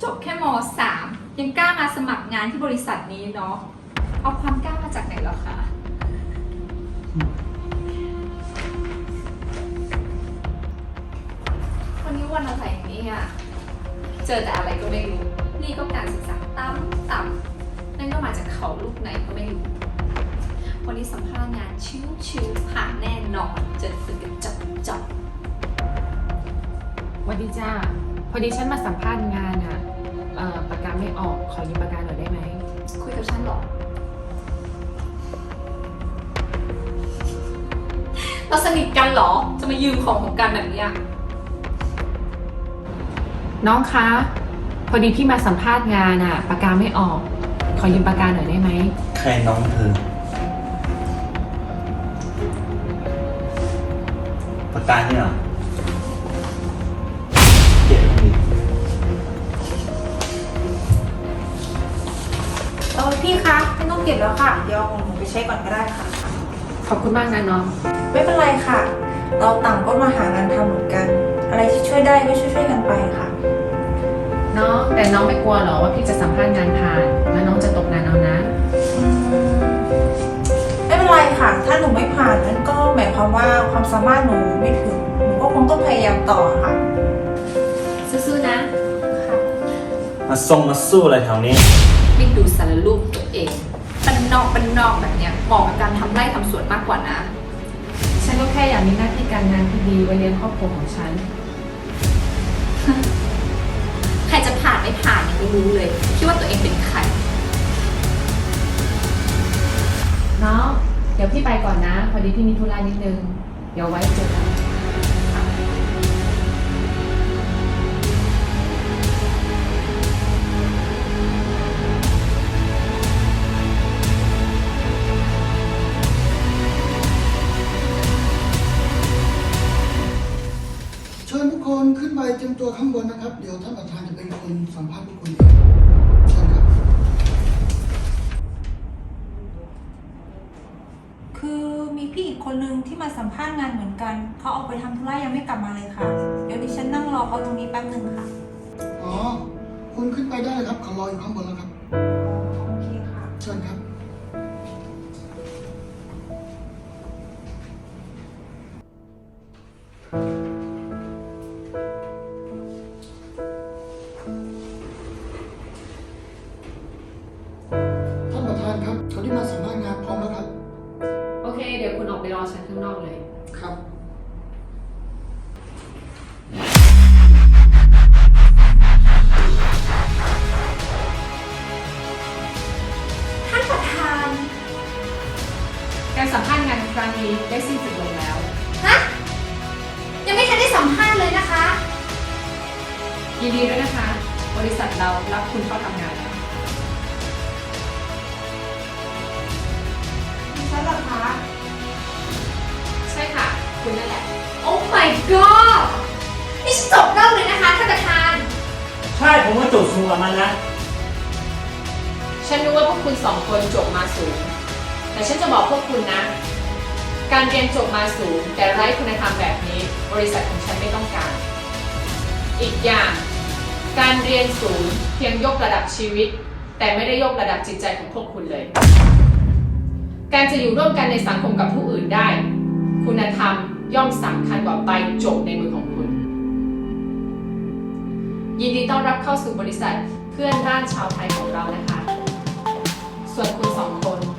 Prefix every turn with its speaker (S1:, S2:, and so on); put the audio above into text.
S1: จบแค่ม.3 ยังกล้ามาสมัครงานที่บริษัทนี้เนาะเอาความกล้ามาจากไหนเหรอคะวันนี้วันอะไรเนี่ยเจอแต่อะไรก็ไม่รู้นี่ก็การศึกษาต่ำนั่นก็มาจากเขาลูกไหนก็ไม่รู้วันนี้สัมภาษณ์งานชิวๆผ่านแน่นอนเจอคุยกันจับ
S2: สวัสดีจ้าพอดีฉันมาสัมภาษณ์งานอะปากกาไม่ออกขอยืมปากกาหน่อยได้ไหม
S1: คุยกับฉันหรอเราสนิทกันหรอจะมายืมของกันแบบนี้
S2: น้องคะพอดีพี่มาสัมภาษณ์งานอะปากกาไม่ออกขอยืมปากกาหน่อยได้ไหม
S3: ใครน้องเธอปากกาเนี่ยเหรอเก็บดิ
S4: พี่คะไม่ต้องเก็บแล้วค่ะ เดี๋ยวเอาของหนูไปใช้ก่อนก็ได้ค่ะ
S2: ขอบคุณมากนะน้อง
S4: ไม่เป็นไรค่ะ เราต่างก็มาหางานทำเหมือนกัน อะไรที่ช่วยได้ก็ช่วยกันไปค่ะ
S2: น้องแต่น้องไม่กลัวหรอว่าพี่จะสัมภาษณ์งานผ่านแล้วน้องจะตกงานเอานะ
S4: ไม่เป็นไรค่ะ ถ้าหนูไม่ผ่านนั้นก็หมายความว่าความสามารถหนูไม่ถึง หนูก็คงต้องพยายามต่อค่ะ
S1: สู้ๆนะ
S4: ค่ะ
S3: มาสู้อะไรแถวนี้
S1: ไม่ดูสารรูปตัวเองบ้านนอกแบบเนี้ยเหมาะกับการทำไร่ทำสวนมากกว่านะ
S2: ฉันก็แค่อยากมีหน้าที่การงานที่ดีไว้เลี้ยงครอบครัวของฉัน
S1: ใครจะผ่านไม่ผ่านยังไม่รู้เลยคิดว่าตัวเองเป็นใคร
S2: น้องเดี๋ยวพี่ไปก่อนนะ พอดีพี่มีธุระนิดนึงเดี๋ยวไว้เจอกัน
S5: เชิญทุกคนขึ้นไปเตรียมตัวข้างบนนะครับ เดี๋ยวท่านประธานจะเป็นคนสัมภาษณ์ทุกคนเองเชิญครับ
S4: คือมีพี่อีกคนนึงที่มาสัมภาษณ์งานเหมือนกัน เขาออกไปทำธุระยังไม่กลับมาเลยค่ะ เดี๋ยวดิฉันนั่งรอเขาตรงนี้แป๊บนึงค่ะ
S5: อ๋อ คุณขึ้นไปได้เลยครับเขารออยู่ข้างบนแล้วครับ
S4: โอเคค่ะ
S5: เชิญครับ ท่านประธานครับเขาที่มาสัมภาษณ์งานพร้อมแล้วครับ
S2: โอเค เดี๋ยวคุณออกไปรอฉันข้างนอกเลย
S5: ครับ
S1: ท่านประธาน
S2: การสัมภาษณ์งานครั้งนี้ได้สิ้นสุดลงแล้ว
S1: ฮะยังไม่ทันได้สัมภาษณ์เลยนะคะ
S2: ยินดีด้วยนะคะ บริษัทเรารับคุณเข้าทำงานแล้ว
S4: ดิฉันเหรอคะ
S2: ใช่ค่ะ คุณนั่นแหละ
S1: โอ้ my god นี่ฉันจบนอกเลยนะคะท่านประธาน
S3: ใช่ผมก็จบสูงกับมันนะ
S2: ฉันรู้ว่าพวกคุณสองคนจบมาสูง แต่ฉันจะบอกพวกคุณนะ การเรียนจบมาสูง แต่ไร้คุณธรรมแบบนี้ บริษัทของฉันไม่ต้องการ อีกอย่าง การเรียนสูงเพียงยกระดับชีวิต แต่ไม่ได้ยกระดับจิตใจของพวกคุณเลย การจะอยู่ร่วมกันในสังคมกับผู้อื่นได้ คุณธรรมย่อมสำคัญกว่าใบจบในมือของคุณ ยินดีต้อนรับเข้าสู่บริษัทเพื่อนร่านชาวไทยของเรานะคะ ส่วนคุณสองคน